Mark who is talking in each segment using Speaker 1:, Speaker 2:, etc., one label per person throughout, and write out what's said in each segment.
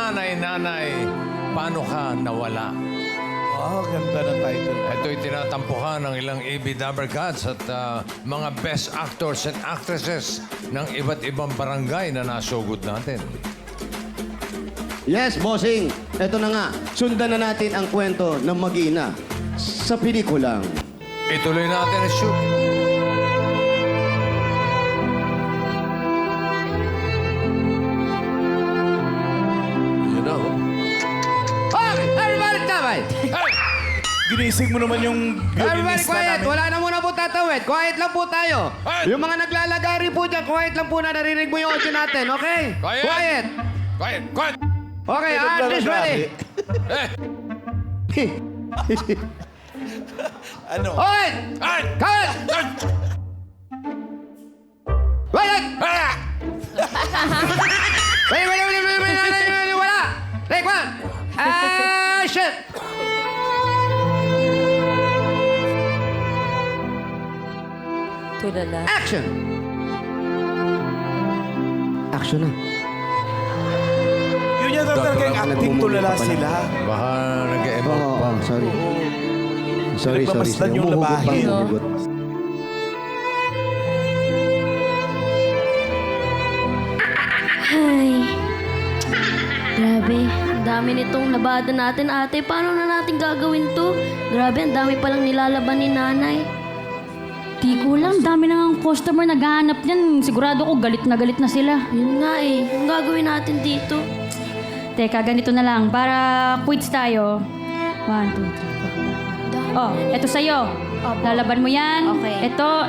Speaker 1: Nanay, paano ka nawala?
Speaker 2: Oh, ganda ng title.
Speaker 1: Ito'y tinatampuhan ng ilang AB Dabber Cats at mga best actors and actresses ng iba't ibang barangay na nasugod natin.
Speaker 3: Yes, bossing. Ito na nga. Sundan na natin ang kwento ng mag-ina sa pelikulang.
Speaker 1: Ituloy natin ang shoot.
Speaker 2: You know.
Speaker 3: Everybody tawid!
Speaker 2: Ginising mo naman yung
Speaker 3: Everybody
Speaker 2: violinista
Speaker 3: quiet!
Speaker 2: namin.
Speaker 3: Wala na muna po tatawid. Quiet lang po tayo.
Speaker 1: Quiet!
Speaker 3: Yung mga naglalagari po dyan, quiet lang po na narinig mo yung audio natin, okay?
Speaker 1: Quiet!
Speaker 3: Quiet!
Speaker 1: Quiet!
Speaker 3: Okay, artist ready.
Speaker 1: Eh!
Speaker 2: Ano?
Speaker 3: Okay!
Speaker 1: Ay!
Speaker 3: Cut! Wait!
Speaker 1: Ah!
Speaker 3: Wait! Wala! Take one! Action!
Speaker 4: Tulala.
Speaker 3: Action! Action na.
Speaker 2: Yun yan talaga yung acting tulala sila.
Speaker 1: Baka nag-emote pa.
Speaker 3: Sorry. Sorry.
Speaker 2: Nagpamasdan yung
Speaker 3: Humuhugot pa,
Speaker 2: labahin.
Speaker 3: humuhugot.
Speaker 4: Ay. Grabe. Ang dami nitong labada natin, ate. Paano na natin gagawin to? Grabe, ang dami palang nilalaban ni nanay.
Speaker 5: Di ko lang, dami na ang customer naghahanap niyan. Sigurado ko galit na sila.
Speaker 4: Yun nga eh. Ang gagawin natin dito?
Speaker 5: Teka, ganito na lang. Para quits tayo. 1, 2, 3, 4. Oh, eto sa'yo.
Speaker 4: Opo.
Speaker 5: Lalaban mo yan.
Speaker 4: Okay.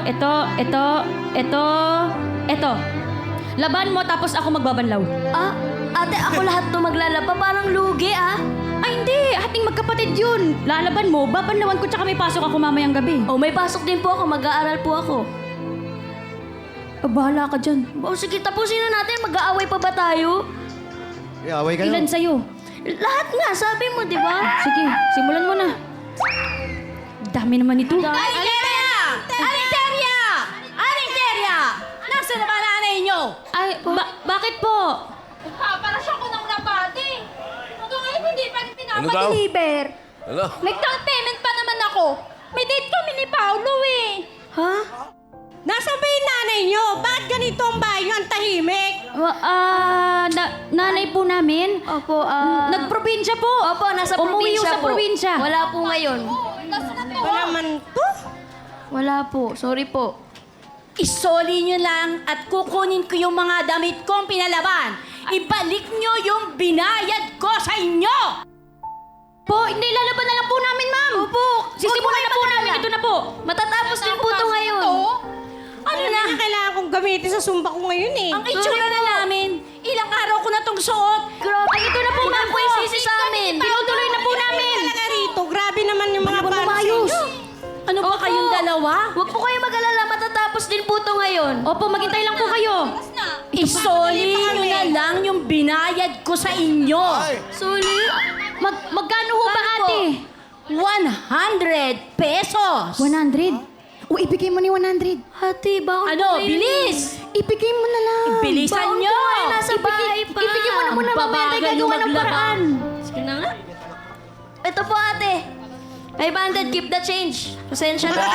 Speaker 5: Ito. Laban mo tapos ako magbabanlaw.
Speaker 4: Ah, ate, ako lahat to maglalaba. Parang lugi ah.
Speaker 5: Ay, hindi. Ating magkapatid yun. Lalaban mo, babanlawan ko tsaka may pasok ako mamayang gabi.
Speaker 4: Oh, may pasok din po ako. Mag-aaral po ako.
Speaker 5: Bahala ka dyan.
Speaker 4: Oh, sige, tapusin na natin. Mag-aaway pa ba tayo?
Speaker 3: Away kayo.
Speaker 5: Ilan sa'yo?
Speaker 4: Lahat nga, sabi mo, di ba?
Speaker 5: Sige, simulan mo na. Dami naman ito.
Speaker 6: Alinteria! Alinteria! Alinteria! Nasaan na ba nanay nyo?
Speaker 5: Ay, bakit po?
Speaker 6: Paparasyon ko ng nabati. Hanggang ngayon hindi pa
Speaker 2: Ano daw?
Speaker 6: pinapa-deliver.
Speaker 2: Ano?
Speaker 6: Nag-down payment pa naman ako. May date kami ni Paolo eh.
Speaker 4: Ha?
Speaker 6: Nasaan ba yung nanay nyo? Bakit ganito ang bahay nyo ang tahimik?
Speaker 5: Nanay po namin.
Speaker 4: Opo,
Speaker 5: Nagprobinsya po.
Speaker 4: Opo, nasa
Speaker 5: Umuwi
Speaker 4: probinsya
Speaker 5: sa
Speaker 4: po.
Speaker 5: probinsya.
Speaker 4: Wala po ngayon.
Speaker 6: Ba naman to?
Speaker 4: Wala po. Sorry po.
Speaker 6: Isoli nyo lang at kukunin ko yung mga damit kong pinalaban. Ibalik nyo yung binayad ko sa inyo!
Speaker 5: Po, hindi lalaban na lang po namin, ma'am.
Speaker 4: Opo.
Speaker 5: Sisimulan na po namin. Ito na po.
Speaker 4: Matatapos din po ito ngayon.
Speaker 6: Ano na? Kailangan kong gamitin sa sumba ko ngayon eh. Ang itsura na namin. Ilang araw ko na tong suot.
Speaker 4: Grabe, ito na po, ma'am. Po yung sisi sa amin.
Speaker 5: Tinutuloy na po namin.
Speaker 6: Talaga rito. Grabe naman yung mga panos
Speaker 5: Maayos.
Speaker 6: ninyo. Ano ba kayong dalawa?
Speaker 4: Huwag po kayo mag-alala. Matatapos din po ito ngayon.
Speaker 5: Opo, maghintay lang po kayo.
Speaker 6: Isoli nyo na lang yung binayad ko sa inyo.
Speaker 4: Suli?
Speaker 5: Magkano ho ba, ate?
Speaker 6: 100 pesos.
Speaker 5: 100. O, ibigay mo ni 100.
Speaker 4: Hati, bakit
Speaker 6: Ano?
Speaker 4: po ngayon?
Speaker 6: Bilis!
Speaker 5: Ibigay mo na lang.
Speaker 6: Bilisan
Speaker 4: Baon
Speaker 6: nyo!
Speaker 4: po kayo, nasa bahay pa.
Speaker 5: Ibigay mo na muna. Mamaya tayo
Speaker 6: Babagal
Speaker 5: gagawa ng
Speaker 6: maglaba.
Speaker 5: paraan.
Speaker 4: Sige na nga. Ito po, ate. 500, keep the change. Pasensya na.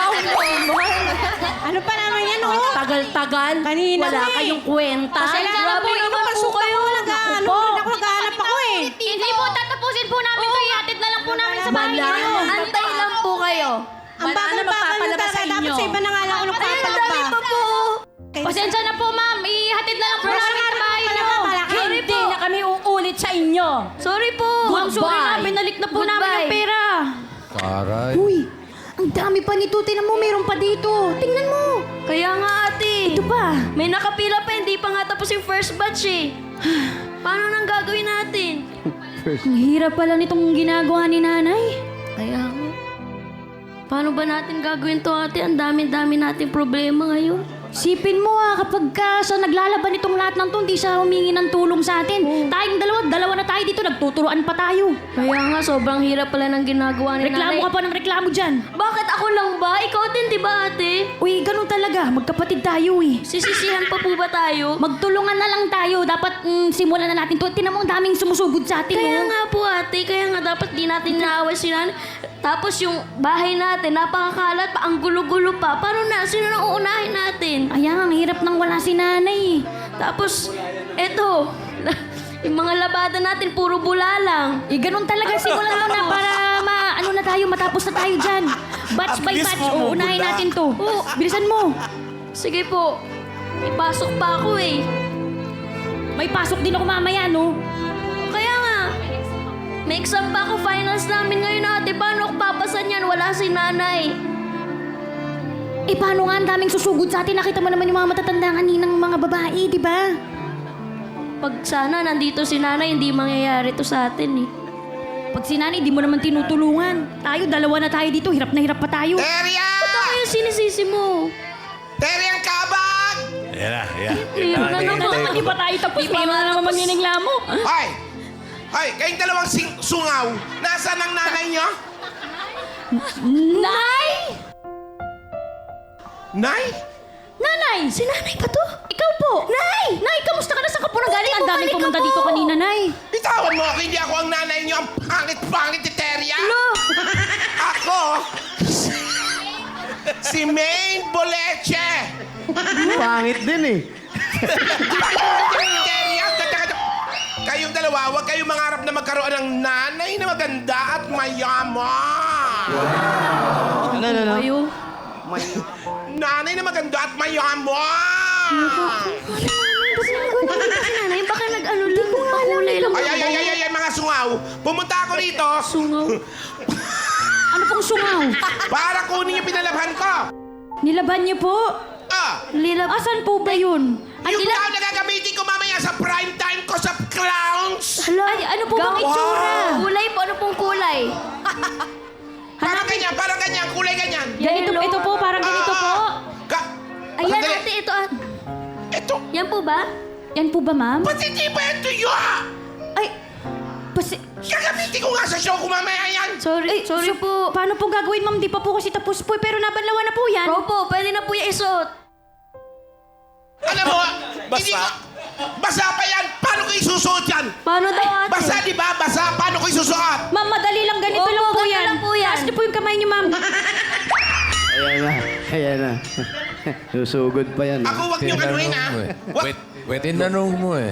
Speaker 6: Ano pa naman yan, oh? Tagal-tagal. Kanina Wala eh. kayong kwenta.
Speaker 4: Grabe naman po kayo.
Speaker 6: Nag-ano ako, naghahanap ako eh.
Speaker 5: Hindi po, tatapusin po namin to. Ihatid na lang po namin sa bahay
Speaker 6: Wala.
Speaker 5: niyo.
Speaker 4: Antay lang po kayo.
Speaker 6: Ang bagal nyo magpapalabas talaga. sa Dapat inyo. sa iba na nga lang ako
Speaker 4: Ay, ang dami
Speaker 6: nagpapalabas.
Speaker 4: pa po.
Speaker 5: Pasensya na po, ma'am. Ihatid na lang po namin sa bahay niyo.
Speaker 4: Sorry
Speaker 6: Hindi
Speaker 4: po.
Speaker 6: na kami uulit sa inyo.
Speaker 4: Sorry po.
Speaker 5: Ma'am, sorry na. Binalik na po namin ang pera.
Speaker 1: Taray.
Speaker 5: Uy, ang dami pa nito. Tingnan mo, meron pa dito. Tingnan mo.
Speaker 4: Kaya nga, ate.
Speaker 5: Ito pa.
Speaker 4: May nakapila pa. Hindi pa nga tapos yung first batch eh. Paano nang gagawin natin?
Speaker 5: Ang hirap pala nitong ginagawa ni nanay.
Speaker 4: Kaya nga. Paano ba natin gagawin to, ate? Ang dami-dami nating problema ngayon.
Speaker 5: Sipin mo kapag sa naglalaban itong lahat ng to, hindi siya humingi ng tulong sa atin. Tayong dalawa na tayo dito dito, nagtuturoan pa tayo.
Speaker 4: Kaya nga, sobrang hirap pala ng ginagawa ni
Speaker 5: Reklamo
Speaker 4: nanay.
Speaker 5: ka pa ng reklamo dyan.
Speaker 4: Bakit ako lang ba? Ikaw din, di ba ate?
Speaker 5: Uy, ganun talaga. Magkapatid tayo eh.
Speaker 4: Sisisihan pa po ba tayo?
Speaker 5: Magtulungan na lang tayo. Dapat simulan na natin to. Tinan mo ang daming sumusugod sa atin.
Speaker 4: Kaya
Speaker 5: oh.
Speaker 4: nga po ate, kaya nga dapat di natin naaway si nanay. Tapos yung bahay natin, napakakalat pa, ang gulo-gulo pa. Paano na? Sino nang uunahin natin?
Speaker 5: Ayan, ang hirap nang wala si nanay.
Speaker 4: Tapos, eto, yung mga labada natin, puro bula lang.
Speaker 5: Eh, ganun talaga. Simulan mo na para ano na tayo, matapos na tayo dyan. Batch by
Speaker 2: At least
Speaker 5: batch,
Speaker 2: mamumula.
Speaker 5: uunahin natin to. Bilisan mo.
Speaker 4: Sige po, ipasok pa ako eh.
Speaker 5: May pasok din ako mamaya, no?
Speaker 4: Kaya nga, may exam pa ako, finals namin ngayon ate. Paano ako papasan yan? Wala si nanay.
Speaker 5: Eh, paano nga ang daming susugod sa atin? Nakita mo naman yung mga matatanda kaninang mga babae, di ba?
Speaker 4: Pag sana nandito si nanay, hindi mangyayari to sa atin eh.
Speaker 5: Pag si nanay, di mo naman tinutulungan. Tayo, dalawa na tayo dito. Hirap na hirap pa tayo.
Speaker 7: Teria!
Speaker 4: Ba't ako yung sinisisi mo?
Speaker 7: Teria ang kabag!
Speaker 2: Yan na, yan.
Speaker 4: Yun na naman.
Speaker 5: Hindi pa tayo tapos. Paano na naman maninigla mo?
Speaker 7: Hoy! Hoy, kayong dalawang sungaw, nasaan ang nanay niyo?
Speaker 5: Nay!
Speaker 7: Nay?
Speaker 5: Nanay! Si nanay ba to? Ikaw po! Nay! Nay, kamusta ka na? Saan ka po nanggaling? Ang daming
Speaker 4: bumalik
Speaker 5: pumunta
Speaker 4: ka po.
Speaker 5: dito kanina, Nay.
Speaker 7: Bitawan mo ako, hindi ako ang nanay niyo. Ang pangit-pangit ni Teria. Ako, si Maine Boleche.
Speaker 3: Pangit din eh.
Speaker 7: Teria, kayong dalawa, huwag kayong mangarap na magkaroon ng nanay na maganda at mayaman.
Speaker 3: Ano?
Speaker 4: Ayo.
Speaker 7: Nanay na maganda at mayaman.
Speaker 4: Si nanay, baka nag-ano lang, pakulay lang.
Speaker 7: Ay, mga sungaw. Pumunta ako rito
Speaker 4: Sungaw.
Speaker 5: Ano pong sungaw?
Speaker 7: para kunin yung pinalabhan ko.
Speaker 5: Nilaban niyo po?
Speaker 4: Lilab.
Speaker 5: Asan po ba yun?
Speaker 7: Yung clown na gagamitin ko mamaya sa prime time ko sa clowns.
Speaker 4: Hala,
Speaker 5: Ay, ano po bang itsura?
Speaker 4: Kulay po, ano pong kulay?
Speaker 7: Parang ganyan, kulay ganyan.
Speaker 5: Ganito,
Speaker 4: Yellow.
Speaker 5: ito po, parang ganito po.
Speaker 4: Ayan
Speaker 7: Sandali.
Speaker 4: ate, ito at.
Speaker 7: Ito,
Speaker 4: Yan po ba?
Speaker 5: Yan po ba, ma'am?
Speaker 7: ba't hindi ba ito yun?
Speaker 5: Ay, pasi...
Speaker 7: Gagamitin ko nga sa show ko mamaya yan.
Speaker 4: Sorry, sorry po.
Speaker 5: Paano po gagawin, ma'am? Di pa po kasi tapos po, pero nabanlawan na po yan.
Speaker 4: Opo, pwede na po yung isuot.
Speaker 7: Alam mo, hindi ko... Basa pa yan. Paano ko isusuot yan?
Speaker 4: Paano daw ate?
Speaker 7: Basa, di ba? Basa. Paano ko isusuot?
Speaker 5: Ma'am, madali lang. Ganito
Speaker 4: Opo,
Speaker 5: lang po
Speaker 4: ganito
Speaker 5: yan.
Speaker 4: lang po yan.
Speaker 5: Taas niyo po yung kamay niyo, ma'am.
Speaker 3: Ayan na. Susugod pa yan.
Speaker 7: Ako, wag niyong anuhin, ha?
Speaker 1: mo eh.
Speaker 7: Wag.
Speaker 1: Wait, tinanong mo eh.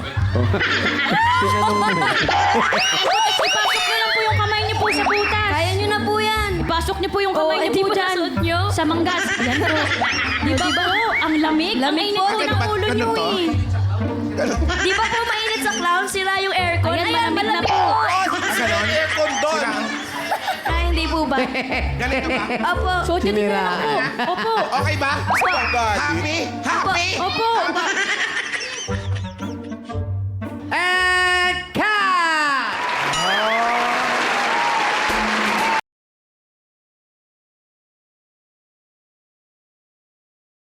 Speaker 5: Ipasok niyo lang po yung kamay niyo po sa butas.
Speaker 4: Kaya nyo na po yan.
Speaker 5: Ipasok niyo po yung kamay niyo
Speaker 4: hindi
Speaker 5: po
Speaker 4: mo
Speaker 5: dyan.
Speaker 4: nasuot niyo?
Speaker 5: Sa manggas. Yan po. Di ba po? Ang lamig. Ang
Speaker 4: Lamig
Speaker 5: init
Speaker 4: po.
Speaker 5: po ng ulo niyo
Speaker 7: Ganun to?
Speaker 5: eh.
Speaker 4: Di ba po mainit sa clown? Sira yung aircon.
Speaker 5: Ayan, malamig na po.
Speaker 7: Ganon. Aircon doon.
Speaker 4: Ay, hindi po ba?
Speaker 7: Ganito ba?
Speaker 4: Opo.
Speaker 5: Suot niyo din na lang po. Opo.
Speaker 7: Okay ba? Happy? Happy?
Speaker 5: Opo.